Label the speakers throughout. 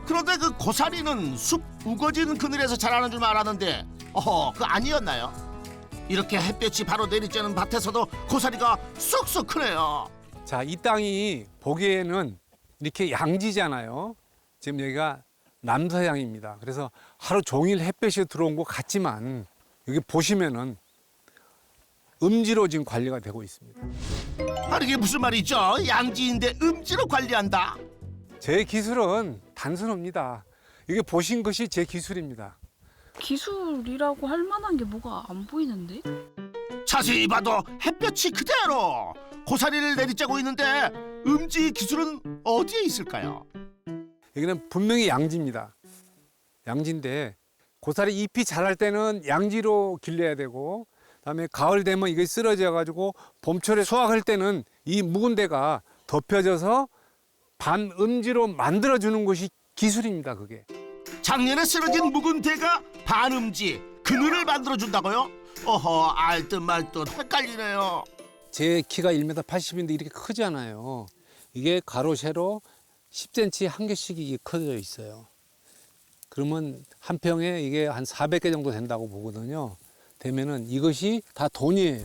Speaker 1: 그런데 그 고사리는 숲 우거진 그늘에서 자라는 줄 알았는데 그 아니었나요? 이렇게 햇볕이 바로 내리쬐는 밭에서도 고사리가 쑥쑥 크네요.
Speaker 2: 자, 이 땅이 보기에는 이렇게 양지잖아요. 지금 여기가 남서양입니다. 그래서 하루 종일 햇볕이 들어온 것 같지만 여기 보시면은 음지로 지금 관리가 되고 있습니다.
Speaker 1: 아니 이게 무슨 말이죠? 양지인데 음지로 관리한다?
Speaker 2: 제 기술은 단순합니다. 이게 보신 것이 제 기술입니다.
Speaker 3: 기술이라고 할 만한 게 뭐가 안 보이는데?
Speaker 1: 자세히 봐도 햇볕이 그대로 고사리를 내리쬐고 있는데 음지 기술은 어디에 있을까요?
Speaker 2: 여기는 분명히 양지입니다. 양지인데 고사리 잎이 자랄 때는 양지로 길러야 되고 그다음에 가을 되면 이게 쓰러져 가지고 봄철에 수확할 때는 이 묵은 데가 덮여져서 반음지로 만들어주는 것이 기술입니다. 그게.
Speaker 1: 작년에 쓰러진 묵은 대가 반음지 그늘을 만들어준다고요? 알듯 말듯 헷갈리네요.
Speaker 2: 제 키가 1m 80인데 이렇게 크지 않아요. 이게 가로 세로 10cm 한 개씩 이게 커져 있어요. 그러면 한 평에 이게 한 400개 정도 된다고 보거든요. 되면은 이것이 다 돈이에요.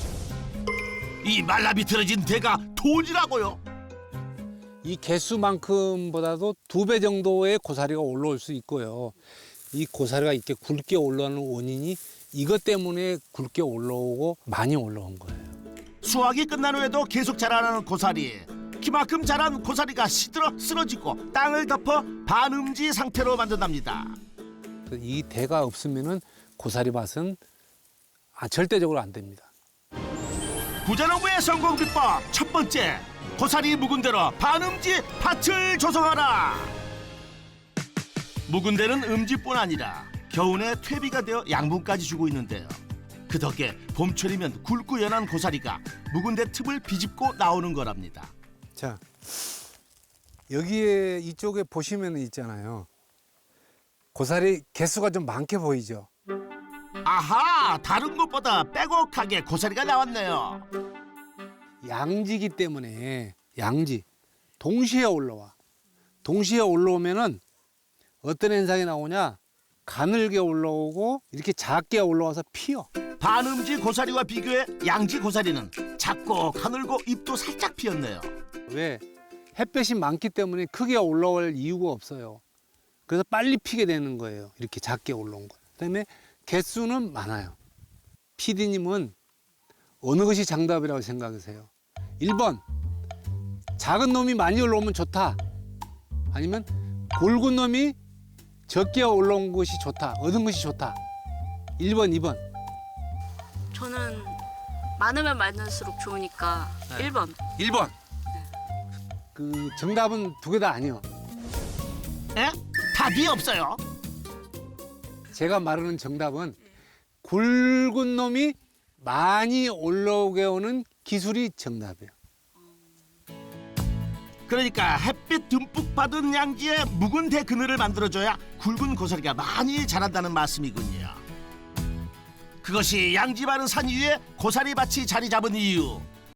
Speaker 1: 이 말라비틀어진 대가 돈이라고요?
Speaker 2: 이 개수만큼보다도 2배 정도의 고사리가 올라올 수 있고요. 이 고사리가 이렇게 굵게 올라오는 원인이 이것 때문에 굵게 올라오고 많이 올라온 거예요.
Speaker 1: 수확이 끝난 후에도 계속 자라나는 고사리. 키만큼 자란 고사리가 시들어 쓰러지고 땅을 덮어 반음지 상태로 만든답니다.
Speaker 2: 이 대가 없으면은 고사리 밭은 절대적으로 안 됩니다.
Speaker 1: 부자농부의 성공 비법 첫 번째, 고사리 묵은 대로 반음지 밭을 조성하라. 묵은 대는 음지뿐 아니라 겨우내 퇴비가 되어 양분까지 주고 있는데요. 그 덕에 봄철이면 굵고 연한 고사리가 묵은 대 틈을 비집고 나오는 거랍니다.
Speaker 2: 자, 여기에 이쪽에 보시면 있잖아요. 고사리 개수가 좀 많게 보이죠?
Speaker 1: 아하, 다른 것보다 빼곡하게 고사리가 나왔네요.
Speaker 2: 양지기 때문에 양지 동시에 올라와. 동시에 올라오면은 어떤 현상이 나오냐? 가늘게 올라오고 이렇게 작게 올라와서 피어.
Speaker 1: 반음지 고사리와 비교해 양지 고사리는 작고 가늘고 잎도 살짝 피었네요.
Speaker 2: 왜? 햇볕이 많기 때문에 크게 올라올 이유가 없어요. 그래서 빨리 피게 되는 거예요. 이렇게 작게 올라온 거. 그다음에 개수는 많아요. PD님은 어느 것이 정답이라고 생각하세요? 1번, 작은 놈이 많이 올라오면 좋다. 아니면 굵은 놈이 적게 올라온 것이 좋다. 얻은 것이 좋다. 1번, 2번.
Speaker 3: 저는 많으면 많을수록 좋으니까 1번.
Speaker 2: 1번. 그 정답은 두 개 다 아니요.
Speaker 1: 에? 답이 없어요.
Speaker 2: 제가 말하는 정답은 굵은 놈이 많이 올라오게 오는 기술이 정답이에요.
Speaker 1: 그러니까 햇빛 듬뿍 받은 양지에 묵은 대 그늘을 만들어줘야 굵은 고사리가 많이 자란다는 말씀이군요. 그것이 양지 바른 산 위에 고사리 밭이 자리 잡은 이유.